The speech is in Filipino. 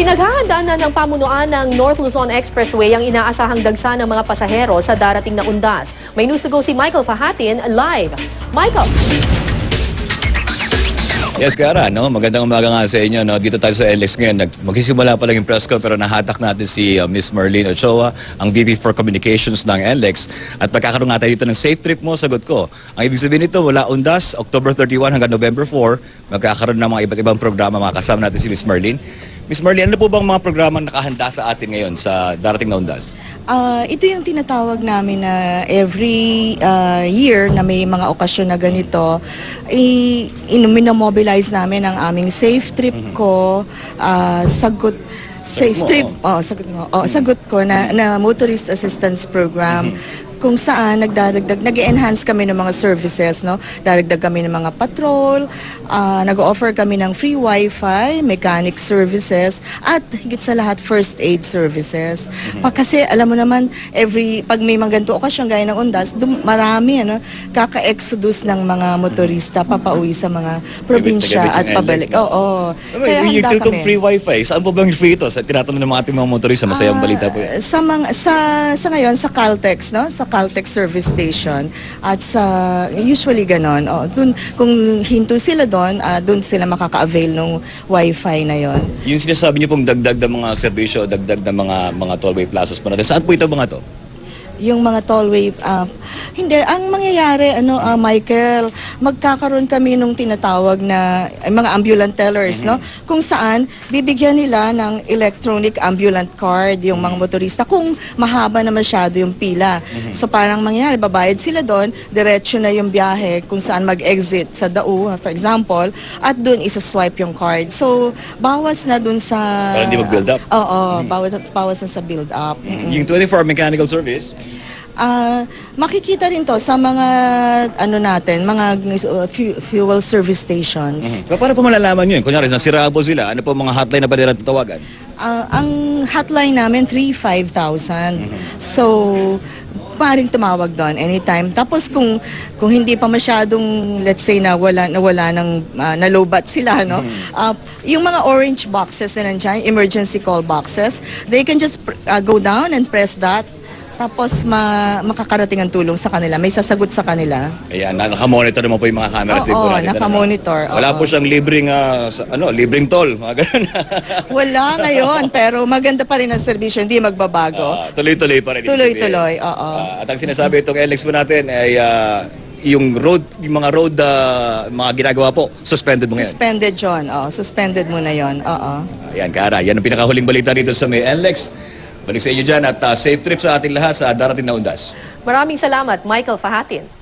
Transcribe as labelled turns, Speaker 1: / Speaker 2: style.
Speaker 1: Pinaghahandaan na ng pamunuan ng North Luzon Expressway ang inaasahang dagsa ng mga pasahero sa darating na undas. May news to go si Michael Fahatin live. Michael!
Speaker 2: Yes, Kara, no? Magandang umaga nga sa inyo. No? Dito tayo sa LX ngayon. Magsisimula pa lang yung press call pero nahatak natin si Miss Marlene Ochoa, ang VP for Communications ng LX. At pagkakaroon nga tayo dito ng safe trip mo, sagot ko. Ang ibig sabihin nito, mula undas, October 31 hanggang November 4, magkakaroon ng mga iba't ibang programa. Makakasama natin si Miss Marlene. Miss Marlene, ano po bang mga programa nakahanda sa atin ngayon sa darating na undas?
Speaker 3: Ito yung tinatawag namin na every year na may mga okasyon na ganito, minamobilize namin ang aming safe trip ko, sagot ko na motorist assistance program. Kung saan nag-enhance kami ng mga services, no? Daragdag kami ng mga patrol, nag-offer kami ng free wifi, mechanic services, at higit sa lahat first aid services. Kasi alam mo naman, pag may mga ganito okasyon gaya ng undas, marami kaka-exodus ng mga motorista papauwi sa mga probinsya at pabalik. Oo.
Speaker 2: Kaya handa kami. Free wifi, saan po bang free ito? Sa tinatanong ng mga ating mga motorista, masayang balita po yan.
Speaker 3: Sa ngayon, sa Caltex, no? Sa Caltex service station at usually ganon. Kung hinto sila doon sila makaka-avail ng wifi na yon.
Speaker 2: Yung sinasabi niyo pong dagdag ng mga serbisyo, dagdag ng mga tollway plazas po natin. Saan po ito mga to?
Speaker 3: Yung mga tollway, hindi, ang mangyayari, Michael, magkakaroon kami nung tinatawag na mga ambulant tellers, no? Kung saan, bibigyan nila ng electronic ambulant card yung mga motorista kung mahaba na masyado yung pila. So parang mangyayari, babayad sila doon, diretso na yung biyahe kung saan mag-exit sa DAU, for example, at doon isa-swipe yung card. So, bawas na doon sa...
Speaker 2: Para hindi mag-build up?
Speaker 3: Oo, bawas na sa build up.
Speaker 2: Yung 24 mechanical service?
Speaker 3: Makikita rin to sa mga mga fuel service stations.
Speaker 2: Paano po malalaman yun? Kunyari, nasira po sila, ano po mga hotline na pwede natin tawagan?
Speaker 3: Ang hotline namin, 3-5,000. So, maaaring tumawag doon anytime. Tapos kung hindi pa masyadong, let's say, nawala ng nalobat sila, no? Yung mga orange boxes na nandiyan, emergency call boxes, they can just go down and press that. Tapos makakarating ang tulong sa kanila. May sasagot sa kanila.
Speaker 2: Ayan, nakamonitor naman po yung mga cameras din po natin.
Speaker 3: Oo, nakamonitor.
Speaker 2: Wala po siyang libreng toll, mga ganun.
Speaker 3: Wala ngayon, pero maganda pa rin ang serbisyo, hindi magbabago.
Speaker 2: Tuloy-tuloy pa rin.
Speaker 3: Tuloy-tuloy, oo.
Speaker 2: At ang sinasabi itong LX po natin ay yung mga road mga ginagawa po, suspended mo ngayon.
Speaker 3: Suspended yun, suspended muna yun, oo.
Speaker 2: Ayan, Kara, yan ang pinakahuling balita dito sa may LX. Balik sa inyo dyan at safe trip sa ating lahat sa darating na undas.
Speaker 1: Maraming salamat, Michael Fahatin.